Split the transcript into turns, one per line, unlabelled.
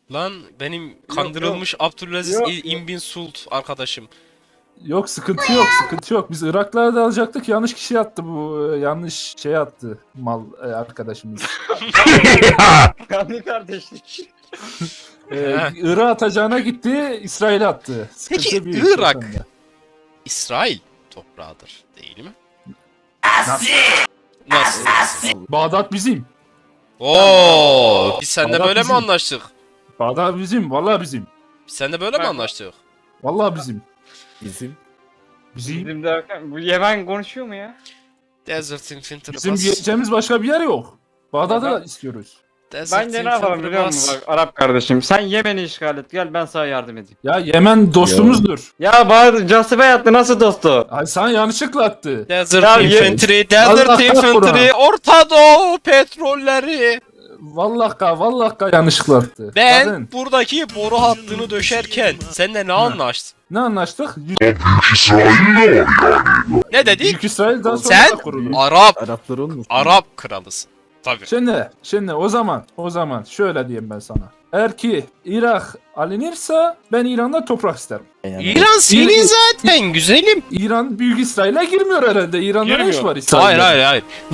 Lan benim kandırılmış Abdülaziz
Yok,
İn bin Sult arkadaşım.
Yok sıkıntı yok sıkıntı yok. Biz Iraklılara da alacaktık. Yanlış kişi attı bu. Yanlış şey attı mal arkadaşımız.
Kanlı kardeşlik.
Irak'a atacağına gitti. İsrail'e attı. Sıkıntı
Peki,
büyük
Irak-
o konuda.
İsrail toprağıdır değil mi?
Nasıl?
Nasıl?
Bağdat bizim.
Oo, biz seninle
Bağdat
böyle mi
bizim.
anlaştık?
Bağdat bizim. Vallahi bizim.
Biz seninle böyle mi
Bak-
anlaştık?
Vallahi bizim.
Bizim.
Bizim.
Bizim derken bu Yemen konuşuyor mu ya?
Desert Infantry
Bizim
Bus.
diyeceğimiz başka bir yer yok. Bağdat'ı
Ya
da
ben-
istiyoruz.
Desert
Bence ne yapalım
Infantry
biliyor
Bus.
musun bak Arap kardeşim. Sen Yemen'i işgal et gel ben sana yardım edeyim.
Ya Yemen dostumuzdur.
Ya bana casibe yattı nasıl dostu?
Ay sana yanlışlıkla attı.
Desert
Ya
Infantry,
Allah
Desert Infantry,
kahretsin.
Orta Doğu petrolleri.
Vallahi yanlışlıkla attı.
Ben
Bakın,
buradaki boru hattını döşerken seninle ne anlaştık?
ne anlaştık?
Ne dedik?
Büyük İsrail daha sonra
Sen
da kuruldu.
Araplar olmuş.
Arap kralısın. Tabii.
Şimdi o zaman şöyle diyeyim ben sana. Eğer ki Irak alınırsa ben İran'da toprak isterim.
Yani
İran senin zaten güzelim.
İran Büyük İsrail'e girmiyor herhalde. İran'da ne iş
Girmiyor.
var İsrail'de?
Hayır.